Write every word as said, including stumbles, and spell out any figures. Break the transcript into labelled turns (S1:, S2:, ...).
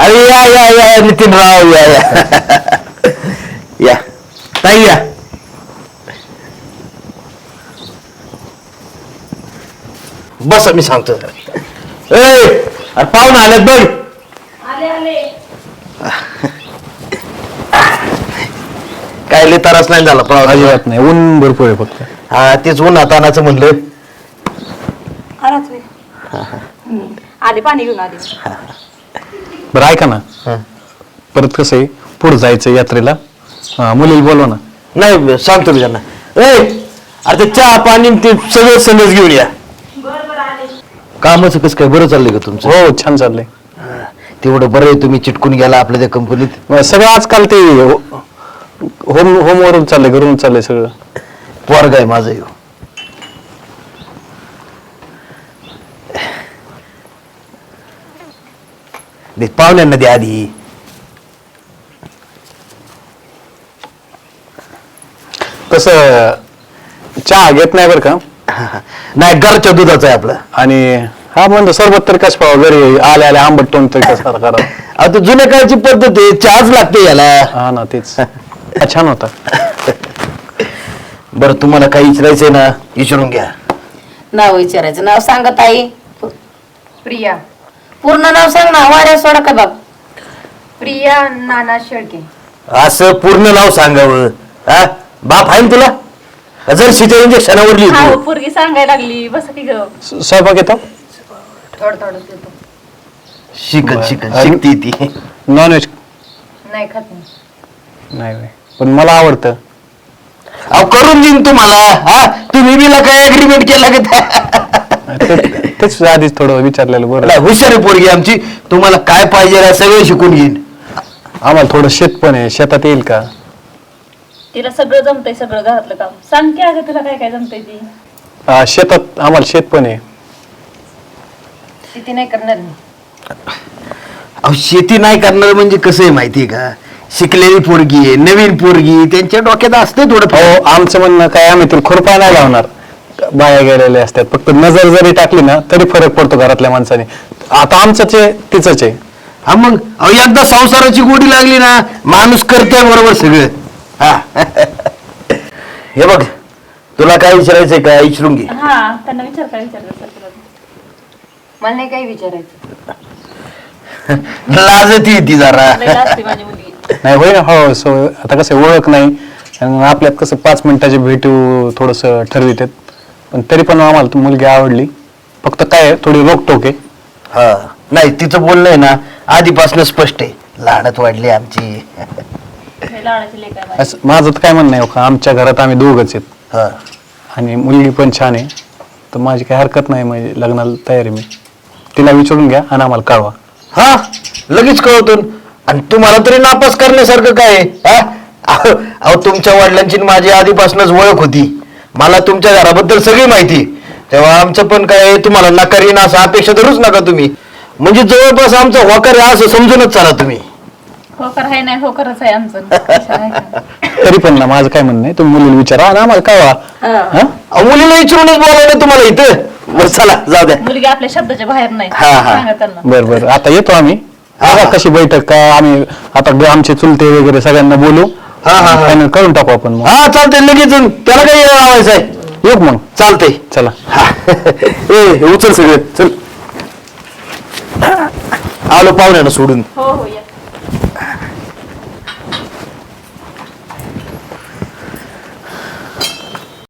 S1: अरे या या या नितीनराव या या या ताई या. बस मी सांगतो जरा. ए अरे पाहुणे आलेत बघ.
S2: आले आले.
S1: काय लय त्रास नाही झाला पाहुणे.
S3: अजिबात नाही, ऊन भरपूर आहे फक्त.
S1: हा तेच ऊन हातानाचं म्हणलं.
S2: आलाच वे. आले पाणी घेऊन आले.
S3: बरं ऐका ना, परत कसं आहे पुढे जायचं यात्रेला, मुलीला बोलवा ना.
S1: नाही सांगतो मी त्यांना. ए अरे ते चहा पाणी ते सगळं संदेश घेऊन या.
S2: बर बर आले.
S1: कामाचं कसं काय बरं चाललंय का तुमचं?
S3: हो छान चाललंय.
S1: तेवढं बरं आहे तुम्ही चिटकून गेला आपल्या त्या कंपनीत.
S3: सगळं आजकाल ते होम होमवरून चाललंय, घरून चाललंय सगळं.
S1: पोरग आहे माझं ह्यो. दे पाहुण्यांना दे आधी.
S3: तसं चहा घेत नाही बरं का.
S1: नाही घरच्या दुधाचं आहे आपलं.
S3: आणि हा म्हणतो सरबत तरी कसं पाहावं, घरी आले आले आंबट तोंड तरी कसं करा.
S1: आता जुन्या काळची पद्धत आहे, चहाच लागते याला.
S3: हा ना तेच. हा, छान होता.
S1: बरं तुम्हाला काही विचारायचंय ना विचारून घ्या.
S4: नाव विचारायचं. नाव सांगत आई.
S2: प्रिया.
S4: पूर्ण नाव सांग ना, वाऱ्या सोडा का बाप.
S2: प्रिया नाना शेळके.
S1: असं पूर्ण नाव सांगावं. हा बाप आहे ना तुला? जर सीच्या इंजेक्शनावर
S2: हा
S1: लिहितो.
S2: पोरगी सांगायला लागली. बस की ग.
S3: स- स्वयंपाक येतो.
S2: थोडं थोडं येतो.
S1: शिकत शिकत
S3: आणि-
S1: शिकती ती.
S3: नॉनव्हेज
S2: नाही खात नाही.
S3: नाही बाई. पण मला आवडतं.
S1: अहो करून देईन तुम्हाला. हा तुम्ही बिला काय अग्रीमेंट केला का?
S3: ते- तेच आधीच थोडं विचारलेलं बरं.
S1: नाही, हुशार आहे पोरगी आमची. तुम्हाला काय पाहिजे ना सगळं शिकून घेईन.
S3: आम्हाला थोडं शेत पण आहे, शेतात येईल का?
S2: तिला सगळं जमतंय, सगळं घरातलं काम. सांग की अगं तुला काय काय जमतंय ती.
S3: आ, शेतात आम्हाला शेत पण आहे.
S2: शेती नाही करणार मी.
S1: अहो शेती नाही करणार म्हणजे कसं आहे माहितीये का? शिकलेली पोरगी आहे, नवीन पोरगी, त्यांच्या डोक्यात असते थोडं.
S3: हो आमचं म्हणणं काय, आम्ही तर खुरपा नाही लावणार. बाया गेलेले असतात, फक्त नजर जरी टाकली ना तरी फरक पडतो घरातल्या माणसाने. आता आमचंच आहे तिचंच आहे.
S1: हा मग अहो एकदा संसाराची गोडी लागली ना माणूस करतोय बरोबर सगळं. हा हे बघ तुला काय विचारायचंय का विचारून घे.
S2: हा त्यांना विचार काय विचारायचं तुला. मला नाही काही विचारायचं.
S1: लाजती ती जरा.
S2: लई लाजते माझी मुलगी.
S3: नाही होय ना. हो सो आता कसं ओळख नाही आणि आपल्यात कसं पाच मिनिटाची भेटू थोडंसं ठरवितात. पण तरी पण आम्हाला ती मुलगी आवडली. फक्त काय आहे, थोडी रोकटोक आहे.
S1: हा नाही तिचं बोलणं आहे ना आधीपासून स्पष्ट आहे. लाडत वाढली आमची.
S2: लई लाडाची लेक आहे माझी.
S3: असं माझं तर काय म्हणणं आहे हो का, आमच्या घरात आम्ही दोघंच आहेत
S1: हा
S3: आणि मुलगी पण छान आहे, तर माझी काही हरकत नाही. म्हणजे लग्नाला तयारी मी. तिला विचारून घ्या आणि आम्हाला कळवा.
S1: हा लगेच कळतो. आणि तुम्हाला तरी नापास करण्यासारखं काय आहे? हा अहो अहो, तुमच्या वडिलांची आणि माझी आधीपासूनच ओळख होती. मला तुमच्या घराबद्दल सगळी माहिती. तेव्हा आमचं पण काय तुम्हाला नकार येईन असं अपेक्षा धरूच नका तुम्ही. म्हणजे जवळपास आमचं होकार आहे असं समजूनच चाला तुम्ही.
S2: होकर आहे नाही होकरच आहे आमचं. कशाला आहे का?
S3: तरी पण ना माझं काय म्हणणं आहे, तुम्ही मुलीला विचारा आणि आम्हाला कळवा. हा?
S1: अहो, मुलीला विचारूनच बोलावलं तुम्हाला इथं. बरं चला जाऊ द्या.
S2: मुलगी आपल्या शब्दाच्या बाहेर नाही.
S1: हा, हा.
S2: सांगा त्यांना.
S3: बरं बरं आता येतो आम्ही.
S1: हा,
S3: बघा
S1: हा.
S3: कशी बैठक काय, आम्ही आता ग- आमचे चुलते वगैरे सगळ्यांना बोलू.
S1: हा, हा, हा.
S3: फायनल करून टाकू आपण मग.
S1: हा चालतंय लगेच. त्याला काही लावायचं आहे.
S3: येऊ का मग.
S1: चालतंय.
S3: चला.
S1: हा ए हे उचल सगळं चल. आलो पाहुण्यानं सोडून.
S2: हो हो या.